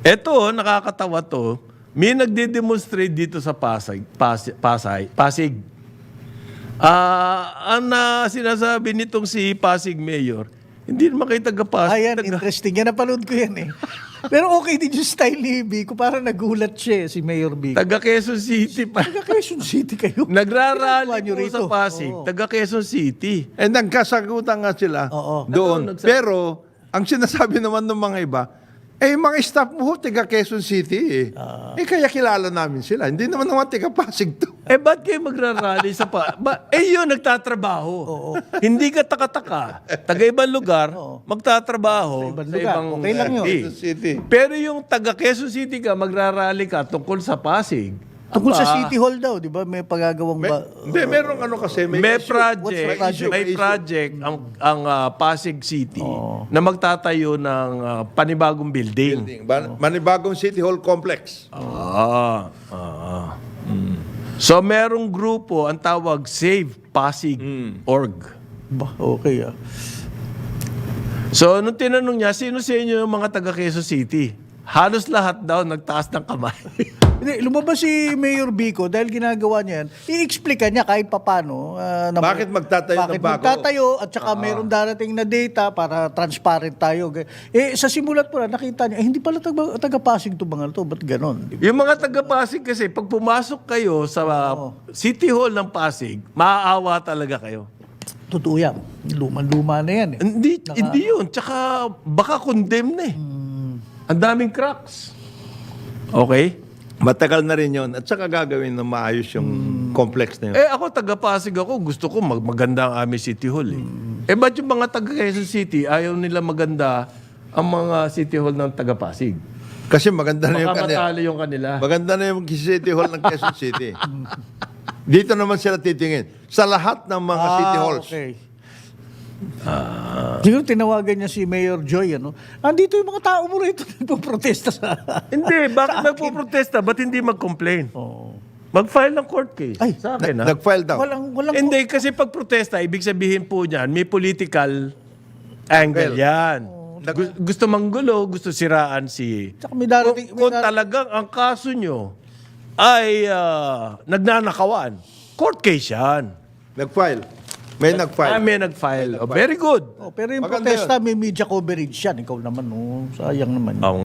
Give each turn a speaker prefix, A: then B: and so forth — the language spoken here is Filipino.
A: Eto, nakakatawa to. May nagde-demonstrate dito sa Pasig. Ang sinasabi nitong si Pasig Mayor, hindi naman kayo taga-Pasig.
B: Ayan, interesting. Yan, napanood ko yan eh. Pero okay din yung style ni Biko. Parang nagulat siya si Mayor Biko.
A: Taga Quezon City pa.
B: Taga Quezon City kayo.
A: Nagrarally
B: Ginagawa nyo
A: po
B: rito.
A: sa Pasig.
B: Oo.
A: Taga Quezon City.
C: Eh, nagkasagutan nga sila
B: Oo.
C: doon. Pero, ang sinasabi naman ng mga iba, eh, mga staff mo, taga Quezon City eh. Kaya kilala namin sila. Hindi naman taga Pasig to.
A: Ba't kayo magrarally sa yun, nagtatrabaho.
B: Oo.
A: Hindi ka taka-taka. Taga ibang lugar, magtatrabaho
B: Sa ibang
A: sa
B: lugar.
A: ibang
B: Okay lang yun.
A: city.
C: Quezon City.
A: Pero yung taga Quezon City ka, magrarally ka tungkol sa Pasig.
B: Tungkol sa
A: Aba,
B: City Hall daw, di ba? May pagagawang ba?
C: Hindi, merong ano kasi.
A: May
C: issue.
A: project,
B: project?
A: may project ang Pasig City na magtatayo ng panibagong building.
C: Manibagong City Hall Complex.
A: So merong grupo ang tawag Save Pasig Org.
B: Ba, okay ah.
A: So nung tinanong niya, sino sa inyo yung mga taga Quezon City? Halos lahat daw nagtaas ng kamay.
B: Hindi, lumabas si Mayor Biko dahil ginagawa niya yan. I-explica niya kahit papano.
C: Bakit magtatayo ng
B: bakit
C: bago?
B: magtatayo at saka mayroong darating na data para transparent tayo. Sa simulat po na nakita niya, hindi pala taga-Pasig to mga to. Ba't ganon?
A: Yung mga taga Pasig kasi, pag pumasok kayo sa City Hall ng Pasig, maaawa talaga kayo.
B: Totoo yan. Luma-luma na yan eh.
A: Hindi yun. Tsaka baka condemn na eh. Ang daming cracks. Okay?
C: Matagal na rin yun. At saka gagawin na maayos yung complex na yun.
A: Ako, taga-Pasig ako. Gusto ko maganda ang aming City Hall eh. Ba't yung mga taga-Quezon City, ayaw nila maganda ang mga City Hall ng taga-Pasig?
C: Kasi maganda na yung
A: Baka
C: kanila.
A: matalo yung kanila.
C: Maganda na yung City Hall ng Quezon City. Dito naman sila titingin. Sa lahat ng mga City Halls.
B: Okay. Siguro tinawagan niya si Mayor Joy, ano? Andito yung mga tao mo rito nagpo-protesta sa...
A: Hindi, bakit nagpo-protesta? Ba't hindi mag-complain?
B: Oo.
A: Mag-file ng court case.
B: Ay,
A: sa akin, ha?
C: Nag-file daw.
B: Walang...
A: Hindi, kasi pag protesta, ibig sabihin po niyan, may political angle yan. Gusto manggulo, gusto siraan si...
B: Tsaka may darating...
A: Kung talagang ang kaso nyo ay nagnanakawan, court case yan.
C: Nag-file. May nag-file.
A: May nag-file. Very good.
B: pero yung
C: Maganda
B: protesta, may media coverage yan. Ikaw naman, no? Sayang naman.